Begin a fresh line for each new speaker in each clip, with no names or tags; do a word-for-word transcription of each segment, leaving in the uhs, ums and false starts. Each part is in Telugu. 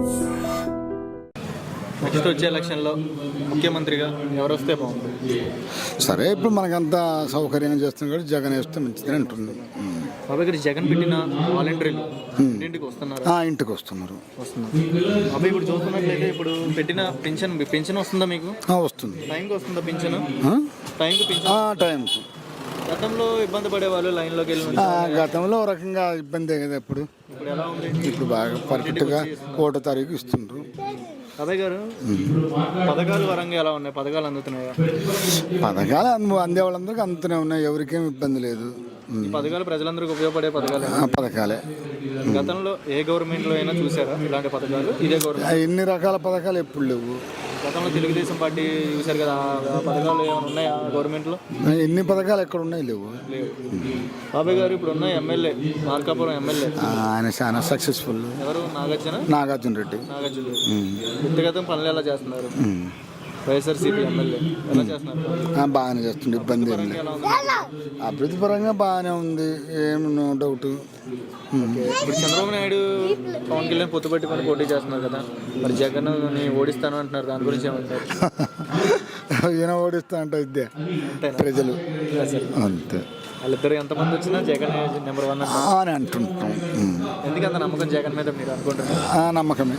నెక్స్ట్ వచ్చే ఎలక్షన్లో ముఖ్యమంత్రిగా ఎవరు వస్తే బాగుంటుంది?
సరే, ఇప్పుడు మనకంతా సౌకర్యంగా చేస్తుంది కాబట్టి జగన్ వేస్తే మంచిదని అంటుంది.
బాబాయ్ గారు, జగన్ పెట్టిన వాలంటీర్లు ఇంటింటికి వస్తున్నారు.
ఇంటికి వస్తున్నారు
వస్తున్నారు బాబాయ్. ఇప్పుడు చూస్తున్నట్లయితే ఇప్పుడు పెట్టిన పెన్షన్ పెన్షన్ వస్తుందా మీకు?
వస్తుంది.
టైంకి వస్తుందా పెన్షన్? టైంకి పెన్షన్
టైం.
గతంలో ఇబ్బంది పడేవాళ్ళు లైన్లోకి వెళ్ళి.
గతంలో ఒక రకంగా ఇబ్బందే కదా. ఇప్పుడు
ఇప్పుడు ఎలా ఉంది?
ఇప్పుడు బాగా పర్ఫెక్ట్గా ఒకటో తారీఖు ఇస్తుండ్రు.
బాబాయ్ గారు, పథకాలు వరంగా ఎలా ఉన్నాయి? పథకాలు అందుతున్నాయా?
పథకాలు అందే వాళ్ళందరికీ అందుతూనే ఉన్నాయి, ఎవరికేం ఇబ్బంది లేదు.
ఈ పథకాలు ప్రజలందరికీ ఉపయోగపడే పథకాలే
పథకాలే
గతంలో ఏ గవర్నమెంట్లో అయినా చూసారా ఇలాంటి పథకాలు? ఇదే గవర్నమెంట్
ఎన్ని రకాల పథకాలు ఎప్పుడు లేవు.
గతంలో తెలుగుదేశం పార్టీ చూశారు కదా, ఆ పథకాలు ఏమైనా ఉన్నాయా గవర్నమెంట్లో?
ఎన్ని పథకాలు ఎక్కడ ఉన్నాయి? లేవు.
లేవు. బాబాయ్ గారు, ఇప్పుడు ఉన్న ఎమ్మెల్యే మార్కాపురం ఎమ్మెల్యే
ఆయన చాలా సక్సెస్ఫుల్.
ఎవరు? నాగార్జున
నాగార్జున రెడ్డి.
నాగార్జున రెడ్డి వ్యక్తిగతం పనులు ఎలా చేస్తున్నారు? వైఎస్ఆర్సీపీ ఎమ్మెల్యే ఎలా చేస్తున్నారు?
బాగానే చేస్తుంది, ఇబ్బంది ఏం లేదు. అభివృద్ధి పరంగా బాగానే ఉంది, ఏం నో డౌట్.
ఇప్పుడు చంద్రబాబు నాయుడు పవన్ కళ్యాణ్ పొత్తు పెట్టుకొని పోటీ చేస్తున్నారు కదా, మరి జగన్ ఓడిస్తాను అంటున్నారు, దాని గురించి ఏమంటారు?
ఈయన ఓడిస్తా అంటే ఇద్దే ప్రజలు అంతే.
వాళ్ళిద్దరు ఎంతమంది వచ్చినా జగన్ నెంబర్ వన్
అని అంటుంటాం.
ఎందుకంత నమ్మకం జగన్ మీద మీరు అనుకుంటున్నారు?
నమ్మకమే.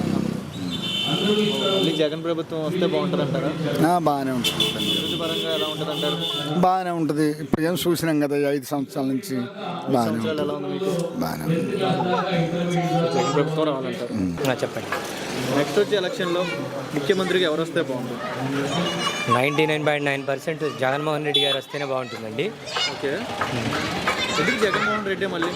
మళ్ళీ జగన్ ప్రభుత్వం వస్తే బాగుంటుంది అంటారా?
బాగానే ఉంటుంది.
అభివృద్ధి పరంగా ఎలా ఉంటుంది అంటారు?
బాగానే ఉంటుంది. ఇప్పుడు ఏం చూసినాం కదా, ఐదు సంవత్సరాల నుంచి బాగానే
ఎలా ఉంది మీకు?
బాగానే ఉంది.
జగన్ ప్రభుత్వం రావాలంటారు. చెప్పండి. నెక్స్ట్ వచ్చే ఎలక్షన్లో ముఖ్యమంత్రిగా ఎవరు వస్తే బాగుంటుంది?
Ninety nine point nine percent Jaganmohan Reddy గారు వస్తేనే బాగుంటుందండి.
ఓకే, ఎందుకు జగన్మోహన్ రెడ్డి? మళ్ళీ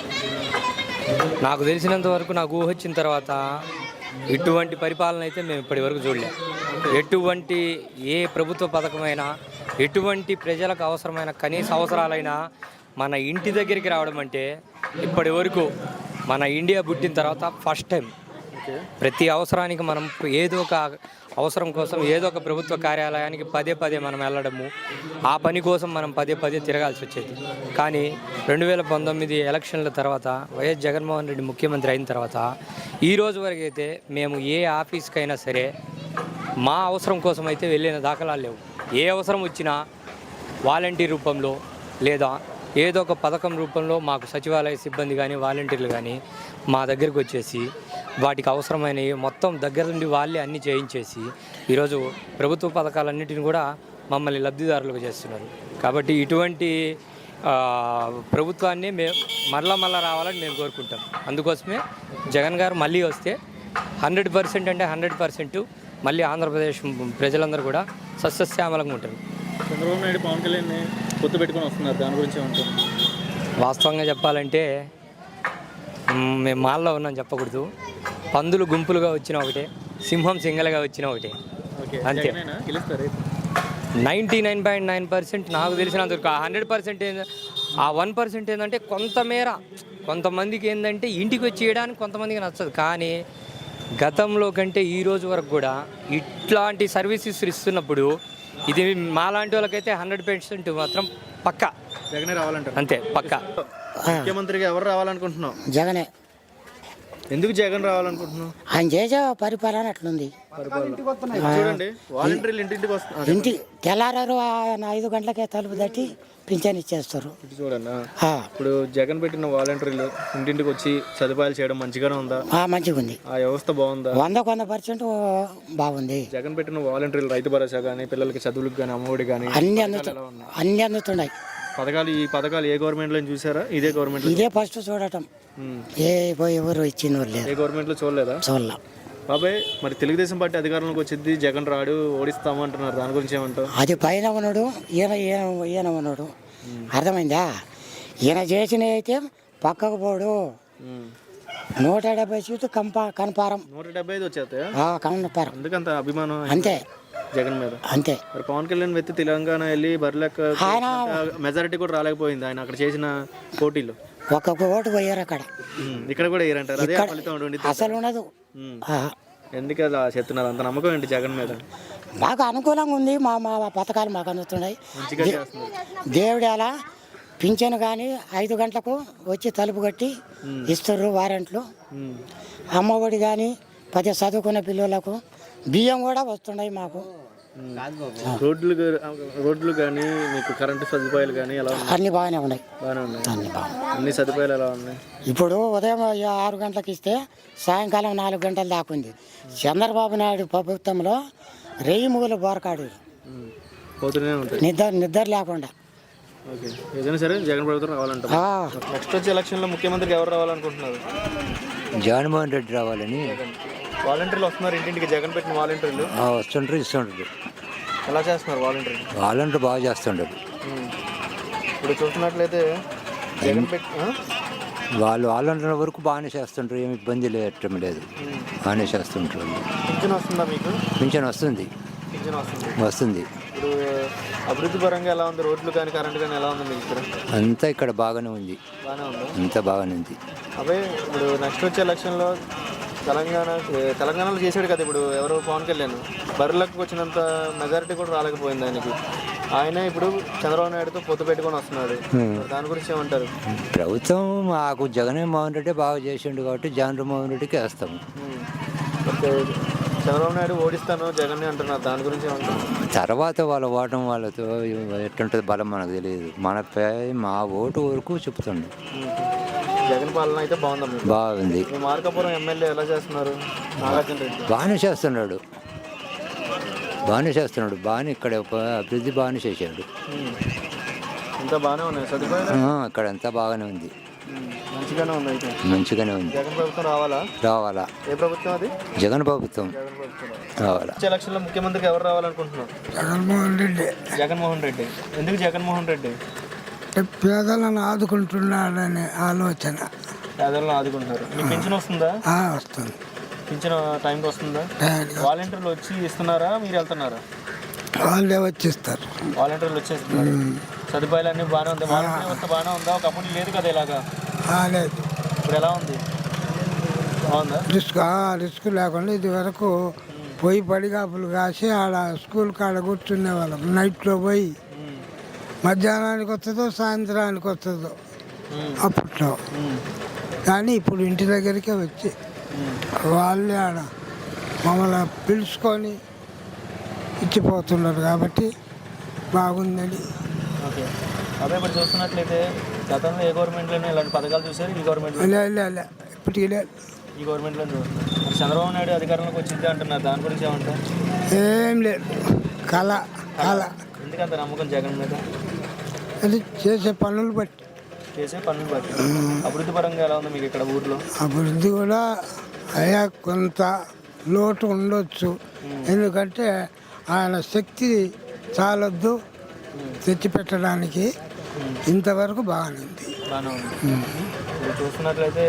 నాకు తెలిసినంత వరకు, నాకు ఊహ వచ్చిన తర్వాత ఇటువంటి పరిపాలన అయితే మేము ఇప్పటి వరకు చూడలేం. ఎటువంటి ఏ ప్రభుత్వ పథకమైనా, ఎటువంటి ప్రజలకు అవసరమైన కనీస అవసరాలైనా మన ఇంటి దగ్గరికి రావడం అంటే ఇప్పటి వరకు మన ఇండియా పుట్టిన తర్వాత ఫస్ట్ టైం. ప్రతి అవసరానికి మనం ఏదో ఒక అవసరం కోసం ఏదో ఒక ప్రభుత్వ కార్యాలయానికి పదే పదే మనం వెళ్ళడము, ఆ పని కోసం మనం పదే పదే తిరగాల్సి వచ్చేది. కానీ రెండు వేల పంతొమ్మిది ఎలక్షన్ల తర్వాత వైఎస్ జగన్మోహన్ రెడ్డి ముఖ్యమంత్రి అయిన తర్వాత ఈ రోజు వరకు అయితే మేము ఏ ఆఫీస్కైనా సరే మా అవసరం కోసం అయితే వెళ్ళిన దాఖలాలు లేవు. ఏ అవసరం వచ్చినా వాలంటీర్ రూపంలో లేదా ఏదో ఒక పథకం రూపంలో మాకు సచివాలయ సిబ్బంది కానీ వాలంటీర్లు కానీ మా దగ్గరికి వచ్చేసి వాటికి అవసరమైనవి మొత్తం దగ్గర నుండి వాళ్ళే అన్నీ చేయించేసి ఈరోజు ప్రభుత్వ పథకాలన్నింటిని కూడా మమ్మల్ని లబ్ధిదారులుగా చేస్తున్నారు. కాబట్టి ఇటువంటి ప్రభుత్వాన్ని మేము మరలా మళ్ళా రావాలని మేము కోరుకుంటాం. అందుకోసమే జగన్ గారు మళ్ళీ వస్తే హండ్రెడ్ పర్సెంట్ అంటే హండ్రెడ్ పర్సెంట్ మళ్ళీ ఆంధ్రప్రదేశ్ ప్రజలందరూ కూడా సస్యశ్యామలంగా ఉంటారు.
చంద్రబాబు నాయుడు పవన్ కళ్యాణ్ పొత్తు పెట్టుకొని వస్తున్నారు, దాని గురించి ఏమంటారు?
వాస్తవంగా చెప్పాలంటే మేము మాల్లో ఉన్నాం చెప్పకూడదు. పందులు గుంపులుగా వచ్చిన ఒకటే, సింహం సింగల్గా వచ్చిన ఒకటే, అంతే. Ninety nine point nine percent నాకు తెలిసినందుకు హండ్రెడ్ పర్సెంట్ ఏంటంటే ఆ వన్ పర్సెంట్ ఏంటంటే కొంతమేర కొంతమందికి ఏంటంటే ఇంటికి వచ్చి చేయడానికి కొంతమందికి నచ్చదు. కానీ గతంలో కంటే ఈ రోజు వరకు కూడా ఇట్లాంటి సర్వీసెస్ ఇస్తున్నప్పుడు ఇది మాలాంటి వాళ్ళకైతే హండ్రెడ్ పర్సెంట్ మాత్రం పక్కా
జగనే రావాలంటారు.
అంతే, పక్కా.
ముఖ్యమంత్రిగా ఎవరు రావాలనుకుంటున్నావు?
జగనే.
ఎందుకు జగన్ రావాలనుకుంటున్నావు?
ఆయన చేసే పరిపాలన అట్లుంది.
చూడండి, వాలంటీర్లు ఇంటింటికి వస్తున్నారు.
ఇంటి తెల్లారారు ఐదు గంటలకే తలుపు తట్టి పింఛన్ ఇచ్చేస్తారు.
చూడండి, ఇప్పుడు జగన్ పెట్టిన వాలంటీర్లు ఇంటింటికి వచ్చి సదుపాయాలు చేయడం మంచిగానే ఉందా?
మంచిగా ఉంది.
ఆ వ్యవస్థ బాగుందా?
వందకు వంద పర్సెంట్ బాగుంది.
జగన్ పెట్టిన వాలంటీర్లు రైతు భరోసా కానీ, పిల్లలకి చదువులకు కానీ, అమ్మఒడి కానీ
అన్ని అందుతు అన్ని అందుతున్నాయి
పథకాలు. ఈ పథకాలు ఏ గవర్నమెంట్ లో చూసారా? ఇదే గవర్నమెంట్
ఇదే ఫస్ట్ చూడటం. ఏ ఎవరు ఇచ్చిన లేదు,
ఏ గవర్నమెంట్ లో చూడలేదా?
చూడలే.
బాబాయ్, మరి తెలుగుదేశం పార్టీ అధికారంలోకి వచ్చింది, జగన్ రాడు, ఓడిస్తాము అంటున్నారు, దాని గురించి ఏమంటావు?
అది పైన ఉన్నాడు, ఈయన ఈయన ఈయన ఉన్నాడు. అర్థమైందా? ఈయన చేసిన అయితే పక్కకు పోడు. నూట డెబ్బై సీట్లు కంపా కనపారం
నూట డెబ్బై ఐదు వచ్చేస్తాయి
కనపారం.
ఎందుకంత అభిమానం
అంతే
జగన్ మీద?
అంతే.
మరి పవన్ కళ్యాణ్ వ్యక్తి తెలంగాణ వెళ్ళి బర్లెక్క మెజారిటీ కూడా రాలేకపోయింది ఆయన అక్కడ చేసిన పోటీలో.
ఒక్కొక్క ఓటు పోయారు అక్కడ,
ఇక్కడ కూడా వేయరంటారు. అదే ఫలితం
అసలు ఉండదు.
ఎందుకు అలా చెప్తున్నారు? అంత నమ్మకం ఏంటి జగన్ మీద?
మాకు అనుకూలంగా ఉంది. మా మా పథకాలు మాకు అందుతున్నాయి. దేవుడు అలా పింఛను కానీ ఐదు గంటలకు వచ్చి తలుపు కట్టి ఇస్తారు వారెంట్లు. అమ్మఒడి కానీ ప్రతి చదువుకునే పిల్లలకు బియ్యం కూడా వస్తున్నాయి మాకు.
రోడ్లు గా- రోడ్లు కానీ మీకు కరెంటు సదుపాయాలు కానీ ఎలా ఉన్నాయి?
అన్నీ బాగానే ఉన్నాయి.
బాగానే ఉన్నాయి.
అన్నీ బాగున్నాయి.
అన్ని సదుపాయాలు ఎలా ఉన్నాయి?
ఇప్పుడు ఉదయం ఆరు గంటలకు ఇస్తే సాయంకాలం నాలుగు గంటల దాకా ఉంది. చంద్రబాబు నాయుడు ప్రభుత్వంలో రెయ్యి మూల బోరకాడు
ఉమ్. పోతూనే ఉంటాయి.
నిద్ర నిద్ర లేకుండా.
ఓకే, ఏదైనా సరే జగన్ ప్రభుత్వం రావాలంటారు.
ఆ,
నెక్స్ట్ వచ్చే ఎలక్షన్లో ముఖ్యమంత్రికి ఎవరు రావాలనుకుంటున్నారు?
జగన్మోహన్ రెడ్డి రావాలని
వాలంటీర్లు వస్తున్నారు ఇంటింటికి, జగన్ పెట్టిన వాలంటీర్లు
ఆ, వస్తుంటారు ఇస్తుంటారు.
ఎలా చేస్తున్నారు వాలంటీర్లు?
వాళ్ళంటూ బాగా చేస్తుంటారు.
ఉమ్. ఇప్పుడు చూస్తున్నట్లయితే జగన్ పెట్టి ఆ?
వాళ్ళు వాళ్ళంటున్న వరకు బాగానే చేస్తుంటారు, ఏమి ఇబ్బంది లేటం లేదు, బాగానే చేస్తుంటారు.
పింఛన్ వస్తుందా మీకు?
పింఛన్ వస్తుంది
పింఛన్ వస్తుంది.
వస్తుంది
ఇప్పుడు అభివృద్ధి పరంగా ఎలా ఉంది? రోడ్లు కానీ కరెంట్ కానీ ఎలా ఉంది మీకు ఇక్కడ?
అంతా ఇక్కడ బాగానే ఉంది,
బాగానే ఉందా?
అంతా బాగానే ఉంది.
అవే ఇప్పుడు నెక్స్ట్ వచ్చే ఎలక్షన్లో తెలంగాణ తెలంగాణలో చేశాడు కదా ఇప్పుడు ఎవరో పవన్ కళ్యాణ్, బర్రెలకు వచ్చినంత మెజారిటీ కూడా రాలేకపోయింది ఆయనకి. ఆయన ఇప్పుడు చంద్రబాబు నాయుడుతో పొత్తు పెట్టుకొని వస్తున్నాడు. దాని గురించి ఏమంటారు?
ప్రభుత్వం మాకు జగన్మోహన్ రెడ్డి బాగా చేసిండు కాబట్టి జగన్మోహన్ రెడ్డికి వేస్తాము.
ఉమ్. ఓకే. చంద్రబాబు నాయుడు ఓడిస్తాను జగన్ అంటున్నారు, దాని గురించి ఏమంటారు?
తర్వాత వాళ్ళ ఓటం వాళ్ళతో ఎట్టుంటుంది బలం మనకు తెలియదు. మనపై మా ఓటు వరకు చెప్తుండు
ఉమ్. జగన్ పాలన అయితే బాగుందా మీకు?
బాగుంది,
మీ మార్కాపురం ఎమ్మెల్యే ఎలా చేస్తున్నారు? నాగార్జున రెడ్డి
బాగానే చేస్తున్నాడు, బాగానే చేస్తున్నాడు, బాగానే ఇక్కడ అభివృద్ధి బాగానే చేశాడు.
ఉమ్. అంతా బాగానే ఉన్నాయి సదుపాయాలు?
ఆ, ఇక్కడ అంతా బాగానే ఉంది,
ఉమ్. మంచిగానే ఉంది అయితే.
మంచిగానే ఉంది.
జగన్ ప్రభుత్వం రావాలా?
రావాలా,
ఏ ప్రభుత్వం అది?
జగన్ ప్రభుత్వం
జగన్ ప్రభుత్వం
రావాలా.
వచ్చే ఎలక్షన్లో ముఖ్యమంత్రికి ఎవరు రావాలనుకుంటున్నారు?
జగన్మోహన్ రెడ్డి
జగన్మోహన్ రెడ్డి. ఎందుకు జగన్మోహన్ రెడ్డి?
పేదలను ఆదుకుంటున్నాడనే ఆలోచన
పేదలను ఆదుకుంటున్నారు. మీకు పింఛన్ వస్తుందా?
వస్తుంది.
పింఛన్ టైంకి వస్తుందా? వాలంటీర్లు వచ్చి ఇస్తున్నారా, మీరు వెళ్తున్నారా?
వాళ్ళే వచ్చిస్తారు.
వాలంటీర్లు వచ్చేస్తున్నారు. సదుపాయాలు అన్నీ బాగానే ఉంది. వాలంటీర్ వస్తే బాగానే ఉందా? ఒకప్పుడు లేదు కదా ఇలాగా,
లేదు
ఇప్పుడు ఎలా ఉంది? బాగుందా?
రిస్క్ రిస్క్ లేకుండా ఇది వరకు పోయి పడిగాపులు కాసి ఆడ స్కూల్ కాడ కూర్చునే వాళ్ళం. నైట్లో పోయి
ఉమ్.
మధ్యాహ్నానికి వస్తుందో సాయంత్రానికి వస్తుందో
ఉమ్.
అప్పట్లో.
ఉమ్.
కానీ ఇప్పుడు ఇంటి దగ్గరికే వచ్చి
ఉమ్.
వాళ్ళే ఆడ మమ్మల్ని పిలుచుకొని ఇచ్చిపోతున్నారు కాబట్టి బాగుందని.
ఓకే. అదే ఇప్పుడు చూస్తున్నట్లయితే గతంలో ఏ గవర్నమెంట్లోనే ఇలాంటి పథకాలు చూసారు? ఈ గవర్నమెంట్లో
లే లే లే ఇప్పటికి లేదు,
ఈ గవర్నమెంట్లో చూస్తున్నారు. మరి చంద్రబాబు నాయుడు అధికారంలోకి వచ్చింది అంటున్నారు, దాని గురించి ఏమంటారు?
ఏం లేదు, కళ కళ.
ఎందుకంత నమ్మకం జగన్ మీద?
అది చేసే పనులు బట్టి.
చేసే పనులు బట్టి. అభివృద్ధి పరంగా ఎలా ఉంది మీకు ఇక్కడ ఊర్లో?
అభివృద్ధి కూడా అయ్యా కొంత లోటు ఉండొచ్చు, ఎందుకంటే ఆయన శక్తి చాలొద్దు తెచ్చిపెట్టడానికి. ఇంతవరకు బాగానే ఉంది.
బాగానే ఉంది. ఇప్పుడు చూస్తున్నట్లయితే